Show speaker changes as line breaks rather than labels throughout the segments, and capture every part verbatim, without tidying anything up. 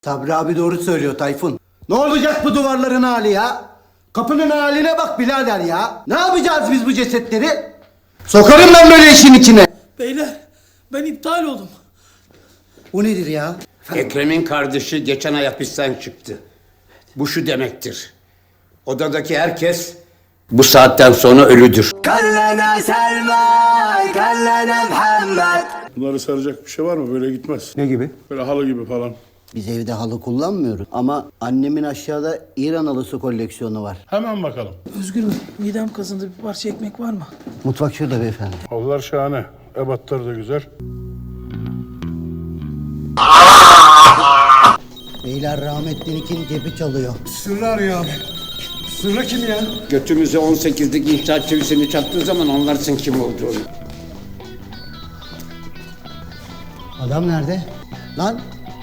Sabri abi doğru söylüyor Tayfun. Ne olacak bu duvarların hali ya? Kapının haline bak birader ya. Ne yapacağız biz bu cesetleri? Sokarım ben böyle işin içine.
Beyler ben iptal oldum.
Bu nedir ya?
Ekrem'in kardeşi geçen ay hapisten çıktı. Bu şu demektir. Odadaki herkes bu saatten sonra ölüdür.
Kallana Selma, kallana Muhammed.
Bunları saracak bir şey var mı? Böyle gitmez.
Ne gibi?
Böyle halı gibi falan.
Biz evde halı kullanmıyoruz. Ama annemin aşağıda İran halısı koleksiyonu var.
Hemen bakalım.
Özgür Bey midem kazındı, bir parça ekmek var mı?
Mutfak şurada beyefendi.
Halılar şahane. Ebatları da güzel.
Beyler rahmetlinikinin cebi çalıyor.
Sırrı arıyor abi. Sırrı kim ya?
Götümüze on sekizlik inşaat çivisini çaktığı zaman anlarsın kim olduğunu.
Adam nerede? Lan!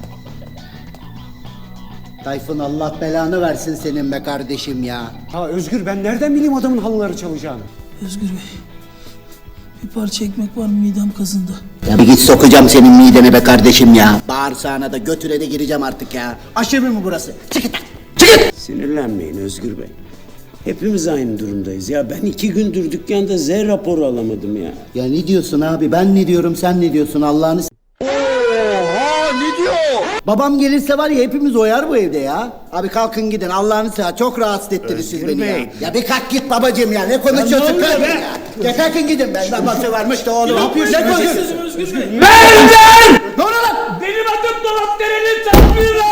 Tayfun Allah belanı versin senin be kardeşim ya.
Ha Özgür ben nereden bileyim adamın halıları çalacağını?
Özgür Bey bir parça ekmek var mı, midem kazındı.
Ya bir git sokacağım senin midene be kardeşim ya. Bağırsağına da götüre de gireceğim artık ya. Aşırı mı burası? Çık git lan! Çık git!
Sinirlenmeyin Özgür Bey. Hepimiz aynı durumdayız ya. Ben iki gündür dükkanda Z raporu alamadım ya.
Ya ne diyorsun abi? Ben ne diyorum, sen ne diyorsun Allah'ını s-
Oha ne diyor?
Babam gelirse var ya hepimiz oyar bu evde ya. Abi kalkın gidin Allah'ını seversen çok rahatsız ettiniz siz beni ya. Ya bir kalk git babacığım ya ne konuşuyorsun kalk ya. Ya kalkın gidin ben babası varmış da oğlum. Ne yapıyorsun?
Ne konuşuyorsun Özgür Bey?
Ne oluyor lan?
Benim adım Dolap Dere'nin Tanrı'yla.